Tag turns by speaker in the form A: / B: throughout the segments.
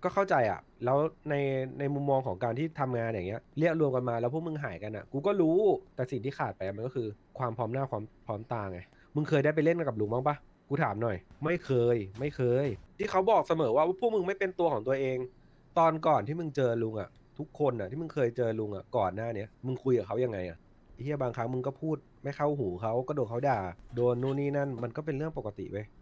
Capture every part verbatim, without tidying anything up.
A: ก็เข้าใจอ่ะแล้วในในมุมมองของการที่ทำงานอย่างเงี้ยเรียกรวมกันมาแล้วพวกมึงหายกันอ่ะกูก็รู้แต่สิ่งที่ขาดไปมันก็คือความพร้อมหน้าความพร้อมตาไงมึงเคยได้ไปเล่นกับลุงบ้างปะกูถามหน่อยไม่เคยไม่เคยที่เขาบอกเสมอว่าพวกมึงไม่เป็นตัวของตัวเองตอนก่อนที่มึงเจอลุงอ่ะทุกคนอ่ะที่มึงเคยเจอลุงอ่ะก่อนหน้าเนี้ยมึงคุยกับเขายังไงอ่ะไอ้เหี้ยบางครั้งมึงก็พูดไม่เข้าหูเขาก็โดนเขาด่าโดนนู่นนี่นั่นมันก็เป็นเรื่องปกติเว้ย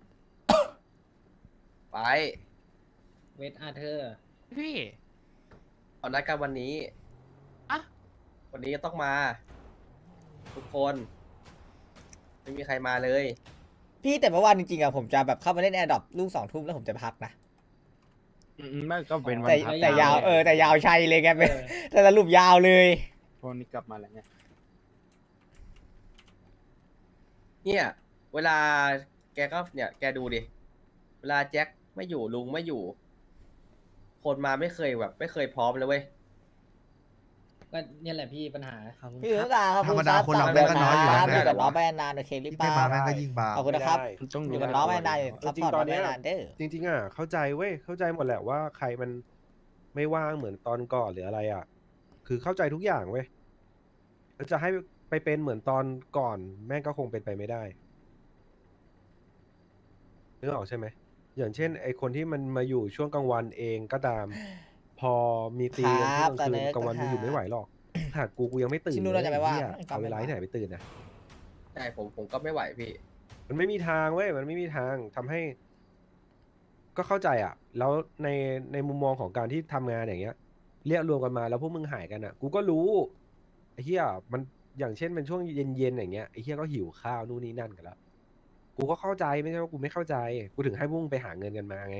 B: ไป
C: เวทอาเธอร์
D: พี่
B: เอานัดกันวันนี้
D: อะ
B: วันนี้ก็ต้องมา ทุกคน ไม่มีใครมาเลย
E: พี่แต่เมื่อวานจริงๆอะผมจะแบบเข้ามาเล่นแอร์ดรอปลูกสองทุ่มแล้วผมจะพักนะ
F: อืมไม่ก็เป็นวัน
E: แต่
F: พัก
E: แต่ยาวเออแต่ยาวชัยเลยไงเป็นแต่สรุปยาวเลย
F: วันนี้กลับมาแล้วเนี่ย
B: เนี่ย เวลาแกก็เนี่ย แกดูดิ เวลาแจ็คไม่อยู่ลุงไม่อยู่ คนมาไม่เคยแบบ ไม่เคยพร้อมเลยเว้ย
C: ก็เนี่ยแหละพี่ปัญหา
E: พี่ถือตาครับ
G: ธรรมดาคนเราแม่งก็น้อยอยู่แล้ว
E: อยู่กับน้องไปนานโอเครีบ
G: ที่
E: ไป
G: ไม่มาแม่งก็ยิ่งบา
E: ขอบคุณนะครับ
A: ไม่ได้
F: ต้อง
E: อ
F: ดู
E: ยู่กับน้องไปนาน
A: เอ
E: ซั
A: อ
E: พ
A: จริ
E: พ
A: ง
E: อร์ต
A: ต
E: น้
A: อ
E: อน ง
A: เนี้
E: ไป
A: ย
E: นานเด้อ
A: จริงๆอ่ะเข้าใจเว้ยเข้าใจหมดแหละว่าใครมันไม่ว่างเหมือนตอนก่อนหรืออะไรอ่ะ คือเข้าใจทุกอย่างเว้ยแล้วจะให้ไปเป็นเหมือนตอนก่อนแม่งก็คงเป็นไปไม่ได้นึกออกใช่ไหมอย่างเช่นไอคนที่มันมาอยู่ช่วงกลางวันเองก็ตาม พอมีตีกันช่วงกลางคืนกลางวันมึงอยู่ไม่ไหวหรอกขนาดกูกูยังไม่ตื่น
E: ชิ
A: เล
E: นู
A: ย
E: เราจะไปว่า
A: เหี้ยเอาเวลาที่ไหนไปตื่นนะ
B: ใช่ ผม ผมก็ไม่ไหวพี่
A: มันไม่มีทางเว้ย มันไม่มีทางทำให้ ก็เข้าใจอ่ะ แล้วในในมุมมองของการที่ทำงานอย่างเงี้ย เรียกรวมกันมาแล้วพวกมึงหายกันอ่ะ กูก็รู้ไอ้เหี้ยมันอย่างเช่นเป็นช่วงเย็นๆอย่างเงี้ยไอ้เหี้ยก็หิวข้าวนู่นนี่นั่นกันแล้ว กูก็เข้าใจไม่ใช่ว่ากูไม่เข้าใจ กูถึงให้พวกมึงไปหาเงินกันมาไง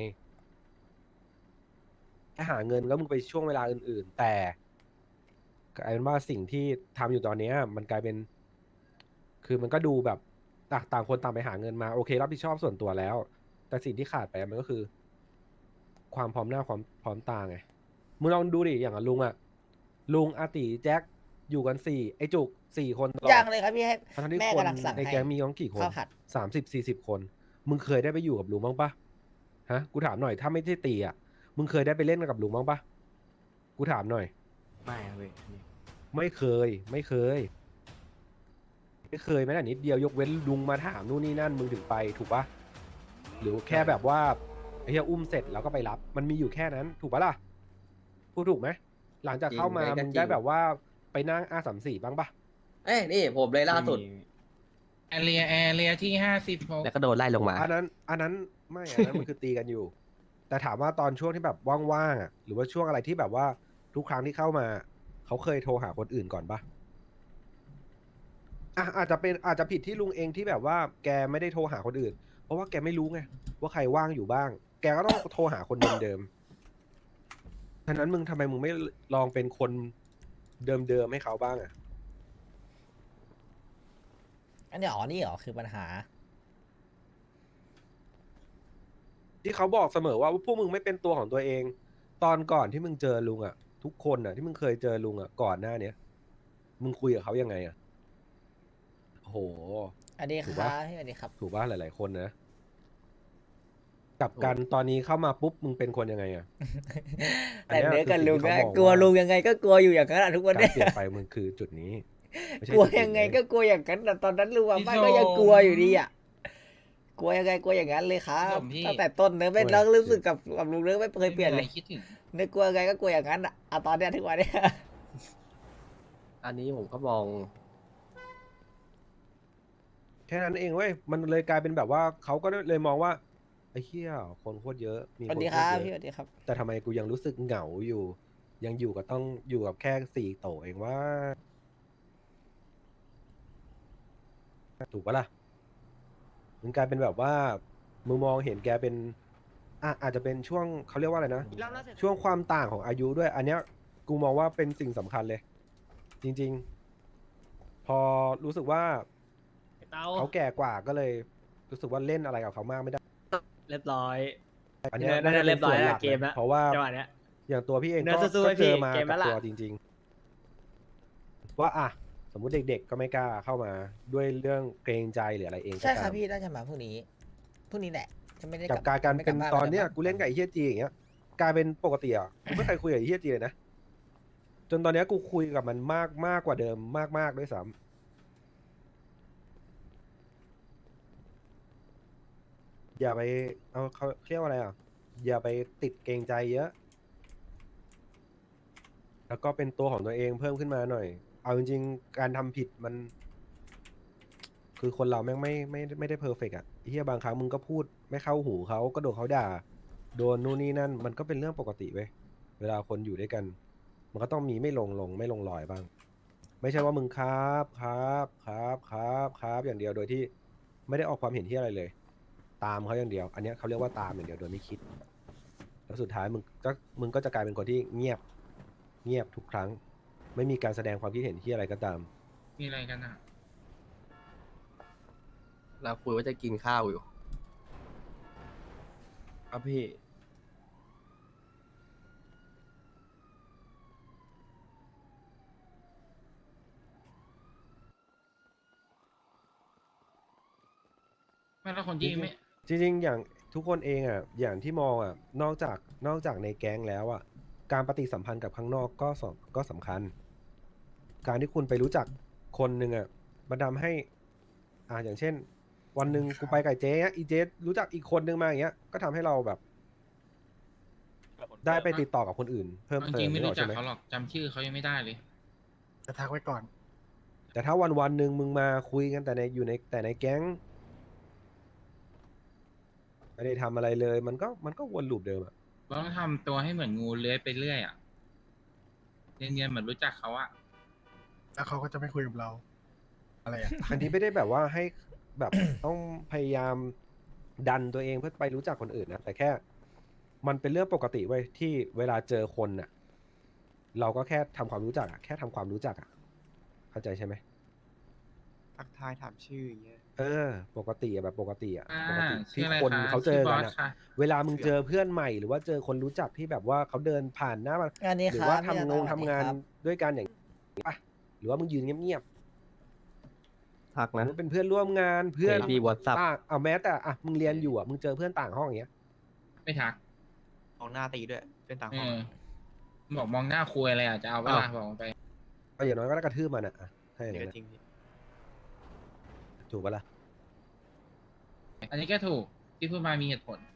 A: แค่หาเงินแล้วมึงไปช่วงเวลาอื่นๆ แต่กลายเป็นว่าสิ่งที่ทำอยู่ตอนเนี้ยมันกลายเป็น คือมันก็ดูแบบต่างต่างคนต่างไปหาเงินมาโอเครับผิดชอบส่วนตัวแล้ว แต่สิ่งที่ขาดไปมันก็คือ ความพร้อมหน้าความพร้อมตาไงมึงลองดูดิอย่างอะลุงอะลุงอาติแจ็คอยู่กันสี่ไอจุกสี่คนตลอด
E: ยังเลยครับพี่ให้
A: ทั้งที่
E: แม่
A: คน
E: กำลังสั่ง
A: ใน
E: ให้
A: แก๊งมีกันกี่คน
E: ข้าวผัด
A: สามสิบสี่สิบคน มึงเคยได้ไปอยู่กับลุงบ้างปะฮะกูถามหน่อยถ้าไม่ได้ตีอะมึงเคยได้ไปเล่นกับลุงบ้างปะกูถามหน่อย
F: ไม่ครับพี่อันนี้
A: ไม่เคย ไม่เคย ไม่เคยแม้แต่นิดเดียวยกเว้นลุงมาถามนู่นนี่นั่นมึงถึงไปถูกปะหรือแค่แบบว่าไอ้เหี้ยอุ้มเสร็จแล้วก็ไปรับ มันมีอยู่แค่นั้น ถูกปะล่ะพูดถูกไหมหลังจากเข้ามา
B: จริง
A: มึง
B: จริง
A: ได้แบบว่าไปนั่งอาสามสี่บ้างปะ
B: เอ้ยนี่ผมเลยล่าสุด
D: แอเรียแอเรียที่ห้าสิบหก
B: แล้วก็โดนไล่ลงมา
A: อันนั้น อันนั้นไม่อันนั้นมันคือตีกันอยู่ แต่ถามว่าตอนช่วงที่แบบว่างๆอ่ะหรือว่าช่วงอะไรที่แบบว่าทุกครั้งที่เข้ามาเขาเคยโทรหาคนอื่นก่อนปะอ่ะอาจจะเป็นอาจจะผิดที่ลุงเองที่แบบว่าแกไม่ได้โทรหาคนอื่น เพราะว่าแกไม่รู้ไงว่าใครว่างอยู่บ้าง แกก็ต้องโทรหาคนเดิมๆฉะนั้นมึงทำไมมึงไม่ลองเป็นคนเดิมๆให้เขาบ้างอ่ะ
E: อันนี้อ๋อนี่เหรอคือปัญหา
A: ที่เขาบอกเสมอว่าพวกมึงไม่เป็นตัวของตัวเอง ตอนก่อนที่มึงเจอลุงอ่ะ ทุกคนอ่ะ ที่มึงเคยเจอลุงอ่ะก่อนหน้าเนี้ยมึงคุยกับเขายังไงอ่ะโอ้โห
E: อันนี้ค
A: ถูก
E: รั
A: ปะ
E: บพี่อันนี้ครับ
A: ถูกป่ะหลาย ๆ คนนะกลับกันตอนนี้เข้ามาปุ๊บมึงเป็นคนยังไงอ่ะ
E: แต่เนื้อกับ
A: อันเนี้ยคือสิ่ง
E: ลุง
A: ที่
E: นะ
A: เขามอง
E: กลัว
A: ว่า
E: ลุงยังไงก็กลัวอยู่อย่างนั้นอะทุกวัน
A: การ
E: เนี้ย
A: เปลี่ยนไปมึงคือจุดนี้ไม่ใช่
E: กลัว
A: จุดอื่น
E: ยังไง
A: เล
E: ก็กลัวอย่างนั้นแต่ตอนนั้นลุงว่าไม่ก็ยังกลัวอยู่ดีอ่ะกลัวยังไงกลัวอย่างนั้นเลยครับตั้งแต่ต้นเนื้อไม่แล้วรู้สึกกับกับลุงเนื้อไม่เคยเปลี่ยนเลย
D: คิดถึง
E: เนื้อกลัวยังไงก็กลัวอย่างนั้นอ่ะอ่ะตอนเนี้ยทุกวันเนี้ย
B: อันนี้ผมก็มอง
A: แค่นั้นเองเว้ยมันเลยกลายเป็นแบบว่าเขาก็เลยมองว่าไอ้เหี้ยคนโคตรเยอะมี
E: ส
A: ค
E: วัน สดี
A: โค
E: ครั
A: ต
E: บ
A: รเย
E: พี่ส
A: อะ
E: วัสดีครับ
A: แต่ทำไมกูยังรู้สึกเหงาอยู่ ยังอยู่กับต้องอยู่กับแค่สี่โตเองว่าถูกปะล่ะมันกลายเป็นแบบว่ามึงมองเห็นแกเป็นอ่ะอาจจะเป็นช่วงเขาเรียกว่าอะไรนะช่วงความต่างของอายุด้วย อันเนี้ยกูมองว่าเป็นสิ่งสำคัญเลย จริง ๆ พอรู้สึกว่า
C: เตา
A: เขาแก่กว่าก็เลยรู้สึกว่าเล่นอะไรกับเขามากไม่ได้
C: เรียบร้อย
A: อันเนี้ย
C: น่าจะ
A: ป็
C: เรียบร้อย
A: ส่วนห
C: แล้ว
A: ลัก
C: เกมแล้ว
A: เพราะว่า
C: จังหวะเนี้ย
A: อย่างตัวพี่เอง
C: เนื้
A: ก็
C: อสู้ๆ
A: ก็เจอ
C: ให้พี่
A: มา
C: เกมแล้
A: กับ
C: วล่ะ
A: ตัวจริง ๆ ว่าอ่ะสมมุติเด็ก ๆ ก็ไม่กล้าเข้ามาด้วยเรื่องเกรงใจหรืออะไรเองก็
E: ใช่ค
A: ตา
E: รับ
A: ม
E: พี่น่าจะมาพรุ่งนี้พรุ่งนี้แหละจะไม่ได้
A: กับการการ
E: ไม่
A: เป็น
E: บ้
A: ตอนเนี้ย
E: ไม่
A: กูเล่นกับไอ้เฮียจีอย่างเงี้ยกลายเป็นปกติอ่ะกูไม่เคยคุยกับไอ้เฮียจีเลยนะจนตอนเนี้ยกูคุยกับมันมากมากกว่าเดิมมากมากด้วยซ้ำอย่าไปเอาเขาเรียกว่าอะไรอ่ะอย่าไปติดเกรงใจเยอะ แล้วก็เป็นตัวของตัวเองเพิ่มขึ้นมาหน่อย เอาจริงๆการทำผิดมัน คือคนเราแม่งไม่ไม่ไม่ได้เพอร์เฟกต์อ่ะไอ้เฮียบางครั้งมึงก็พูดไม่เข้าหูเขาก็โดนเขาด่า โดนนู่นนี่นั่น มันก็เป็นเรื่องปกติเว้ยเวลาคนอยู่ด้วยกัน มันก็ต้องมีไม่ลงลงไม่ลงรอยบ้าง ไม่ใช่ว่ามึงครับครับครับครับครับอย่างเดียวโดยที่ไม่ได้ออกความเห็นที่อะไรเลย ตามเขาอย่างเดียว อันเนี้ยเขาเรียกว่าตามอย่างเดียวโดยไม่คิด แล้วสุดท้ายมึงก็มึงก็จะกลายเป็นคนที่เงียบ เงียบทุกครั้ง ไม่มีการแสดงความคิดเห็นที่อะไรก็ตาม
D: มีอะไรกันอ่ะ
B: เราคุยว่าจะกินข้าวอยู่
F: ครับพี่
D: ไม่แล้วคนที่ไม่
A: จริงๆ อย่างทุกคนเองอ่ะ อย่างที่มองอ่ะ นอกจากนอกจากในแก๊งแล้วอ่ะ การปฏิสัมพันธ์กับข้างนอกก็สก็สำคัญ การที่คุณไปรู้จักคนหนึ่งอ่ะมันทำให้ อ่าอย่างเช่น วันหนึ่งกูไปกับเจ๊อะอีเจ๊รู้จักอีกคนนึงมาอย่างเงี้ย ก็ทำให้เราแบบ ได้ไปติดต่อกับคนอื่น เพิ่ม
D: จ
A: เติ
D: ริง
A: ม
D: ๆไม่
A: นึกอ
D: รู้
A: อก
D: จั
A: ใช่
D: ก
A: ไหม
D: เขาหรอกจำชื่อเขายังไม่ได้เลย
G: จะทักไว้ก่อน
A: แต่ถ้าวันวันๆหนึ่งมึงมาคุยกันแต่ในอยู่ในแต่ในแก๊ง ไม่ได้ทำอะไรเลย มันก็มันก็วนลูปเดิมอ่ะ
D: ต้องทำตัวให้เหมือนงูเลื้อยไปเรื่อยอ่ะเนียนๆเหมือนรู้จักเขาอ่ะ
G: แล้วเขาก็จะไม่คุยกับเรา อะไรอ่ะ
A: อันนี้ไม่ได้แบบว่าให้แบบ ต้องพยายามดันตัวเองเพื่อไปรู้จักคนอื่นนะแต่แค่มันเป็นเรื่องปกติเว้ยที่เวลาเจอคนน่ะ เราก็แค่ทำความรู้จักอะแค่ทำความรู้จักอะเข้าใจใช่ไหม
F: ทักทายถามชื่ออย่างเงี้ย
A: เออ ปกติอะแบบปกติอะ
D: อ่า
A: ปกติ
D: ชื่
A: ที่
D: ออะไร
A: คน
D: คะ
A: เขาเจอ
D: ชื่อบ
A: กั
D: อน ส
A: อะ
D: ค่ะ
A: เวลามึงเจอเพื่อนใหม่หรือว่าเจอคนรู้จักที่แบบว่าเขาเดินผ่านหน้ามา
E: งานนี้
A: หรื
E: ครับ
A: ว่า
E: พี่
A: ทำง
E: ต
A: ง
E: สวัสดี
A: ทำงาน
E: ครับ
A: ด้วยกันอย่างนี้ปะหรือว่ามึงยืนเงียบ
B: ทัก
A: ๆ
B: นะ
A: หรือเป็นเพื่อนร่วมงานเพื่อน
B: มี WhatsApp
A: ต่างเอาแม้แต่อ่ะมึงเรียนอยู่อ่ะมึงเจอเพื่อนต่างห้องอย่างเงี้ย
D: ไม่ทัก
F: มองหน้าตีด้วย เป็นต่าง
D: เอ
F: ห้อง
D: อบอกมองหน้าคุยอะไรอ่ะจะเอาเวลา
B: อ้าว
D: บอกไป
A: ก็อย่างน้อยก็ได้กระทืบมันอ่ะอ่ะถ้าอย่าง
F: เดี๋ยว
A: นั้น
F: จ
A: อะ
F: ริงพี่
A: ถูกปะล่ะ
D: อันนี้ก็ถูกที่พูดมามีเหตุผล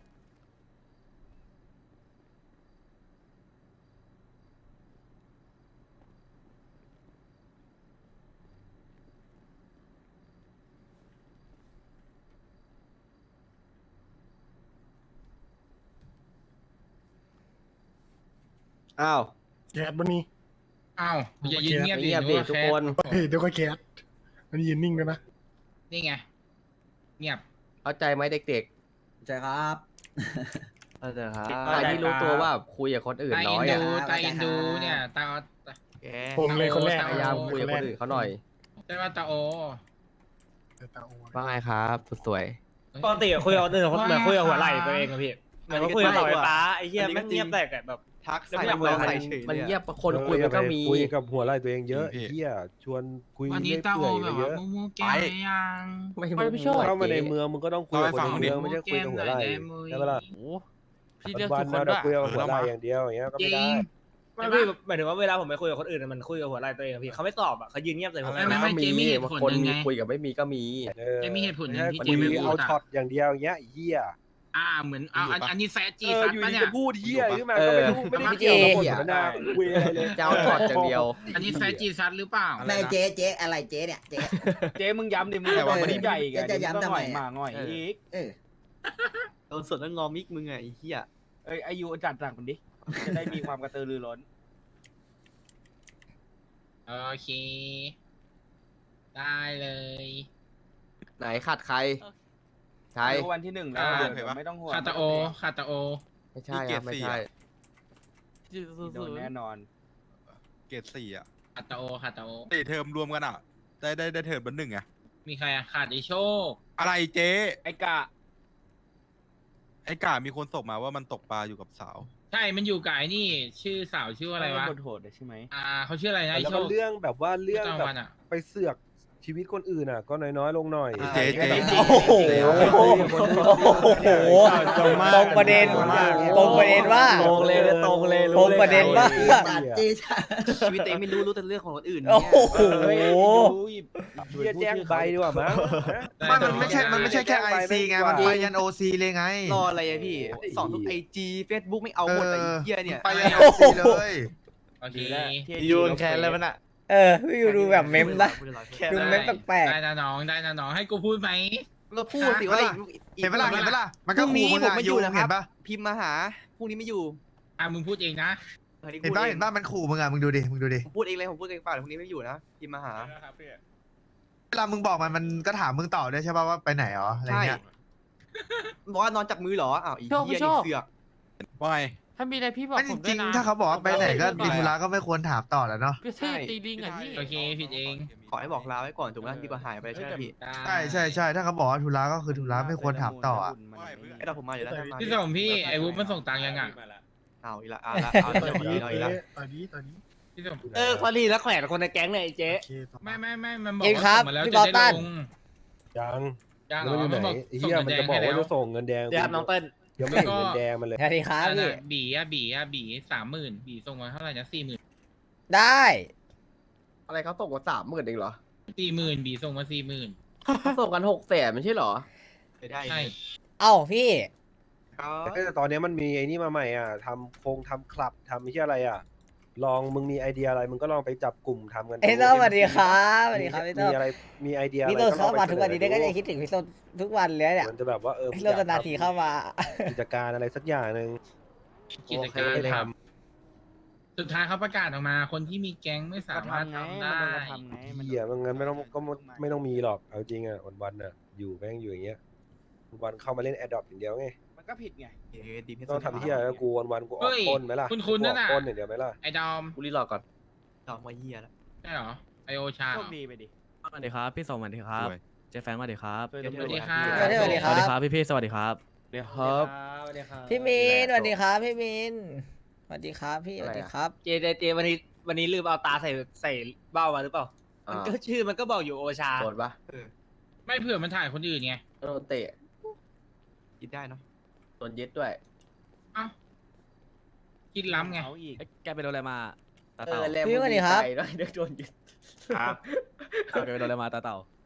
B: อ้าว
G: แก๊สมันนี่
D: อ้าวอย่ายืนเงียบดิ
B: เงียบ
D: นึ
B: ดิ
D: ว่า
B: ทุก
D: แ
B: คน
G: เฮ้ยเดี๋ยวก็แก๊สมันยืนนิ่งด้วยนะ
D: นี่ไง เงียบ
B: เข้าใจไหมเด็ก
H: ใช่ครับ
B: ๆเข้าใจครับการที่รู้ตัวว่าคุยกับคนอื่น
D: ตา
B: น้
D: อิ
B: อน ย
D: ดู
B: อ่ะ
D: ตาอินดูเนี่ยตา
F: แก
G: ผมเลยคนแรก
D: ตา
B: พ
D: โอ้
B: ยายาม
D: โ
B: คุยกับคนอื่นเขาหน่อย
D: ใช่ว่าตาโอ
G: แต่ตาโอ
B: ว่าไงครับสุดสวย
C: ปกติคุยกับคนอื่น
D: ว่า
C: เหมือนคุยกับหัวไหล่
D: ไง
C: ตัวเองอะพี่เหมือน
F: อันนี้
C: ว่าคุยกับ
F: ก็
C: เสา
F: จริ
C: ไฟ
F: ง
C: ฟ้า
F: ว่ะ
C: ไอ้เหี้ย
F: อันนี้ก็
C: แม่งเงียบ
F: จริง
C: แตกอะแบบ
F: ทัก
C: แล้ว
F: ใส่
C: ไม่อยาก
F: หัว
C: คุย
F: ใส่
C: กับ
F: เฉย
B: มัน
F: เลย
B: เงีย
F: อะ
B: บคนคุยมันก็มี
A: คุยกับหัวไหล่ตัวเองเยอะ
G: พี่
A: เฮียชวนคุย
D: วันนี้
A: เรื่อย
D: ตาโอ
A: เปื่อย
D: แบ
A: ไป
D: บ
A: เย
D: ว่า
A: อะ
D: มูมูแก้มไหมยัง
B: ไม่
F: ไม่ไม่ชอบ
A: เข้ามาในเมืองมึงก็ต้องคุยกับคนในเมืองไม่ใช่คุยกับหัวไหล่
D: มู
A: ใช่ปะล่ะ
F: โอ้พี่เรียก
A: วั
F: ทุ
A: น
F: ก
A: ๆ
F: คน
A: มา
F: ด้
A: เดี๋
F: วย
A: ยวคุยกับหัวไหล่อย่างเดียวอย่างเงี้ยก็
D: จ
A: ไม่
D: ริ
A: ได้
D: ง
C: ไม่พี่หมายถึงว่าเวลาผมไปคุยกับคนอื่นอะมันคุยกับหัวไหล่ตัวเองอะพี่เขาไม่ตอบอะเขายืนเงียบใส่ผม
D: ไม่ไม่ไม่
B: ก็มี
D: เจมีเหตุผล
B: คน
D: หนึ่ง
B: มี
D: ไง
B: คุยกับไม่มีก็มี
A: เออ
D: จะมีเหตุผลหนึ่งที่
A: ไม่
D: เจ
A: ใช่
D: ไม่
A: คุย
D: พู
A: เอา
D: ดอะ
A: ช็อตอย่างเดียวอย่างเงี้ยไอ้เฮีย
D: อ่าเหมือนเอาอันอันนี้แซะจี
A: เออ
D: ซัด
A: อยู่
D: ปะ
A: ดี
D: เนี่ย
A: จะพูดเฮียขึ้นมา
B: เอ
A: ก็
B: อ
A: ไม่รู้ไม่ได้เกี่ยวกับบทสนทนาคุยอะไรเลย
B: จะเอาช็อตอย่างเดียว
D: อันนี้แซะจีซัดหรือเปล่า
H: แม่เจ๊เจ๊อะไรเจ๊เนี่ยเจ๊
F: เจ๊มึงย้ำดิมึง
H: แต่ว่า
F: มั
H: มัน
F: นใหญ่อีก
H: จะย้ำทำไมอะ
F: มาง่อยอีก
H: เออ
F: โดนสดแล้วงอมิกมึงไงไอ้เหี้ยเอ้ยอายุจัดจัดคนดิจะได้มีความกระตือรือร้น
D: โอเค ได้เลย
B: ไหนขาดใครใช่
F: รู้วันที่หนึ่งแล้ว
D: อ่า
F: เดี๋ยวเดี๋ยวไม่ต้องห่วง
D: คาตาโอคาตาโอ
B: ไม่ใช่ครับไม่ใช่
F: โดนแน่นอน
I: เกรดสี่อ่ะ
D: คาตาโอคาตาโอ
I: สี่เทอมรวมกันอ่ะ ได้ได้ได้เทอมเป็นหนึ่งอ่ะ
D: มีใครอะขาดไอโชค
I: อะไรเจ๊
F: ไอ้กะ
I: ไอ้กามีคนส่งมาว่ามันตกปลาอยู่กับสาว
D: ใช่ มันอยู่กับไอ้นี่ ชื่อสาวชื่ออะไรวะ
F: บทโหดเลยใช่ไหม
D: อ่าเขาชื่ออะไรนะไอ
A: แล้ว
D: โช
A: ก็
D: ค
A: เรื่องแบบว่าเรื่อง
D: ประจำ
A: แบ
D: วั
A: บ
D: นอะ
A: ไปเสือกชีวิตคนอื่นอ่ะ ก็น้อยๆลงหน่อย
I: เจ๊เจ๊
E: โอ้โหตรงประเด็นตรงประเด็นว่า
C: ตรงเลยตรงเลย
E: ตรงประเด็นว่า
H: จัดเจ๊จัด
F: ชีวิตตัวเองไม่รู้รู้แต่เรื่องของคนอื่น
E: โอ้
F: เนี่ย
E: โห
A: เฮียแจ้งใบดีกว่ามั้ง
I: ไม่มันไม่ใช่มันไม่ใช่แค่ไอซีไงมันไปยันโอซีเลยไง
F: รออะไรอะพี่สอนทุกไอจีเฟซบุ๊กไม่เอาหมดไอ้เหี้ยเนี่ย
I: ไปยันโอซีเลย
D: โอเค
F: ยูนแคนแล้วมันอะ
E: เออพี่ดูแบบเมมนะดูเมมแปลก
D: ได้นะน้องได้นะน้องให้กูพูดไหม
F: เราพูดสิว่า
I: เห็นปะล่ะเห็นปะล่ะมัน
F: พ
I: ก็
F: รุ่ง
I: ขู่
F: นี้
I: มึง
F: ผม
I: อะ
F: ไม่อ
I: ยู
F: ยู่นะค
I: เห็
F: รับ
I: นปะ
F: พิมพ์มาหาพรุ่งนี้ไม่อยู่
D: อ่ะมึงพูดเองนะ
I: เห็นปะเห็นปะมันขู่มึงอะมึงดูดิมึงดูดิ
F: ผมพูดเองเลยผมพูดเองเปล่าพรุ่งนี้ไม่อยู่นะพิมพ์มาหา
I: เวลามึงบอกมันมันก็ถามมึงต่อด้วยใช่ป่ะว่าไปไหนอ๋ออะไร
F: ใช่
I: เงี้ย
F: บอกว่านอนจับมือเหรออ้าวอีเหี้ยนี่เสือก
I: ว่าไง
J: ถ้ามีอะไรพี่บอก
I: ไม่
J: ผ
I: จ
J: มด้ว
I: ริ
J: ย
I: ง
J: นะ
I: ๆถ้าเขาบอกว่าไปไหนก็มีธุระก็ไม่ควรถามต่อแล้วเนาะ
J: พี่เท่ตีลิงอ่ะพี่
D: โอเคผิดเอง
F: ขอให้บอกลาไว้ก่อนถูกไหมดีกว่าหายไปใช่ไหมพี่
I: ใช่ใช่ใช่ถ้าเขาบอกว่าธุระก็คือธุระไม่ควรถามต่ออะ
F: ไอ้เราผมมาอยู่แล้วมา
D: พี่ส่งพี่ไอ้วุ้มันส่งตังค์ยังอ่ะ
F: เอาอีกละเอาละเอา
G: ตอน
F: อี
G: นี้
F: กละเอาอีกละ
G: ตอนนี้ตอนนี้
D: พี่ส่ง
C: เออพอดีแล้วแขวนคนในแก๊งเนี่ยไอ้เจ๊
G: โอเคต่อ
D: ไม่ไม่ไม่มันบอก
E: จริง
D: ว่า
E: ครับ
D: ส่งมาแล้ว
E: พี่
D: จะ
E: บอ
D: ได้
E: ตัน
D: ลง
A: ยัง
D: ยังเหร
A: แล้ว
D: อ
A: มันอยู่
D: มัน
A: ไหน
D: บอก
A: ไอ้
D: ส่ง
A: เฮีย
D: เงิน
A: มัน
D: แด
A: จะ
D: ง
A: บอก
D: ให้
A: ว่า
D: แล้ว
A: จะส่งเงินแดง
C: เดี๋ยวครับน้องเติ้ล
A: ยังไม่เห็นเงินแดงมันเลย
E: ๆสวัสดีครับ
D: อัน
E: พี่
D: น่ะบีอ่ะบีอ่ะบีสามหมื่นบีส่งมาเท่าไหร่นะสี่หมื่น
E: ได้
B: อะไรเขาส่งมาสามหมื่นเองเหรอ
D: สี่หมื่นบีส่งมาสี่หมื่น
B: เขาส่งกันหกแสนไม่ใช่เหรอ
F: ได้
D: ใช่
E: เอ้าพี่
A: แต่ตอนนี้มันมีไอ้นี่มาใหม่อ่ะทำโครงทำคลับทำไม่ใช่อะไรอ่ะ ลองมึงมีไอเดียอะไรมึงก็ลองไปจับกลุ่มทำกันดู
E: เอ้ยโต้สวัสดีครับสวัสดีครับพี่โต้
A: มีอะไรมีไอเดียอะไร
E: พี่โต้เข้ามา
A: ลองไป
E: ทุกวันนี้ได้ก็
A: เส
E: จะคิดถึงพี่โต้ทุกวันเลยเนี่ย
A: มันจะแบบว่าเออ
E: พี่โต้นานๆทีเข้ามา
A: กิจการอะไรสักอย่างหนึ่ง
D: กิจการ
A: โอเค
D: ทำสุดท้ายเขาประกาศออกมาคนที่มีแก๊งไม่สามารถทำได้
A: เหี้ยมันงั้นไม่ต้องก็ไม่ต้องมีหรอกเอาจริงอ่ะวันวันๆอ่ะอยู่แม่งอยู่อย่างเงี้ยวันเข้ามาเล่นแอดดอปอย่างเดียวไง
F: มันก็ผิดไงดีเพชร
A: ต้องทำเหี้ยแล้วกูวันวันๆกูอ
D: เฮ้
A: อก
D: ย
A: ปล้นไหมล่ะ
D: คุณคุณนั่นน่ะ
A: กูออกปล้นอย่างเดียวไหมล่ะ
D: ไอ้ดอม
B: กูรีรอก่อน
F: ดอกมาเหี้ยแล้ว
D: ใช่เหรอไอโอชา
F: โช
D: เหร
F: ค
D: อ
F: ดีไปดิ
J: สวัสดีครับพี่สมสวัสดีครับ เจฟแฟงสวัสดีครับ
D: สวัสดีค่ะ
E: สวัสดีสวัสดีค
J: ส
E: รั
J: วัสดี
E: บ
J: ครับพี่พี่สวัสดีครับ
C: เดี๋ยวครับ
E: พี่มินสวัสดีครับพี่มินสวัสดีครับพี่สวัสดีครับ
C: เจเจเจวันนี้วันนี้ลืมเอาตาใส่ใส่เบ้ามาหรือเปล่า
B: อ่ามั
C: มันก็ชื่อมันก็บอกอยู่โอชา
B: โดนปะ
D: ไม่เผื่อมันถ่ายคนอื่นไง
B: โดนเตะ
F: คิดได้เนาะ
B: โดนยึดด้วย
D: เอ้าคิดล้ำไง
J: แกไปโดนอะไรมาตา
B: เอ
J: เต่า
B: อแล้ว
E: พี่สวัสดีครับ
B: มึงใจด้วยเดี๋ยวโดนยึด
J: แกไปโดนอะไรมาตาเต่า